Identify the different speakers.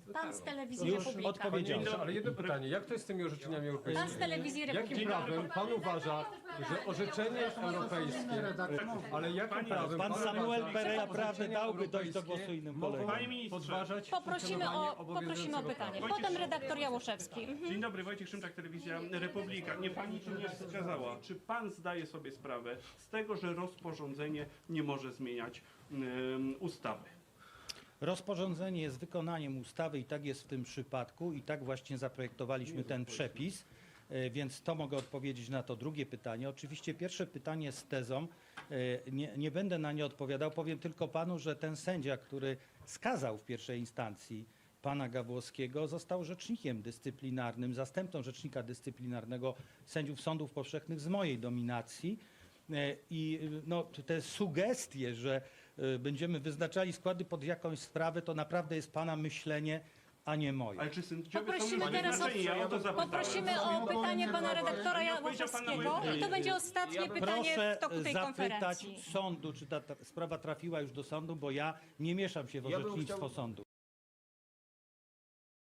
Speaker 1: Pan z telewizji
Speaker 2: Już
Speaker 1: Republika.
Speaker 2: odpowiedziałem.
Speaker 3: Ale jedno pytanie, jak to jest z tymi orzeczeniami
Speaker 1: Pan z
Speaker 3: europejskimi?
Speaker 1: telewizji
Speaker 3: Jakim
Speaker 1: Republika.
Speaker 3: prawem pan uważa, że orzeczenie europejskie, ale jakim prawem
Speaker 2: Pan Samuel
Speaker 3: uważa,
Speaker 2: Pereira
Speaker 3: że
Speaker 2: prawdy
Speaker 3: orzeczenia
Speaker 2: dałby dojść do
Speaker 3: europejskie
Speaker 2: głosu innym
Speaker 3: mogą
Speaker 2: kolegom.
Speaker 4: Panie ministrze,
Speaker 3: podważać
Speaker 1: Poprosimy
Speaker 3: funkcjonowanie
Speaker 1: o pytanie.
Speaker 4: Wojciech
Speaker 1: Potem redaktor Jałoszewski.
Speaker 4: Dzień dobry, Wojciek Szymczak, Telewizja Republika. Nie pani tu nie wskazała. Czy pan zdaje sobie sprawę z tego, że rozporządzenie nie może zmieniać ustawy?
Speaker 2: Rozporządzenie jest wykonaniem ustawy i tak jest w tym przypadku i tak właśnie zaprojektowaliśmy ten przepis, więc to mogę odpowiedzieć na to drugie pytanie. Oczywiście pierwsze pytanie z tezą, nie będę na nie odpowiadał, powiem tylko panu, że ten sędzia, który skazał w pierwszej instancji pana Gawłowskiego, został rzecznikiem dyscyplinarnym, zastępcą rzecznika dyscyplinarnego sędziów sądów powszechnych z mojej dominacji. I no, te sugestie, że będziemy wyznaczali składy pod jakąś sprawę, to naprawdę jest pana myślenie, a nie moje.
Speaker 4: Ale czy sędziowie
Speaker 1: Poprosimy
Speaker 4: są
Speaker 1: teraz
Speaker 4: wyznaczeni? Ja o to zapytałem.
Speaker 1: Poprosimy o pytanie pana redaktora Jałoszewskiego i to będzie ostatnie pytanie
Speaker 2: Proszę
Speaker 1: w toku tej
Speaker 2: zapytać
Speaker 1: konferencji.
Speaker 2: sądu, czy ta sprawa trafiła już do sądu, bo ja nie mieszam się w orzecznictwo sądu.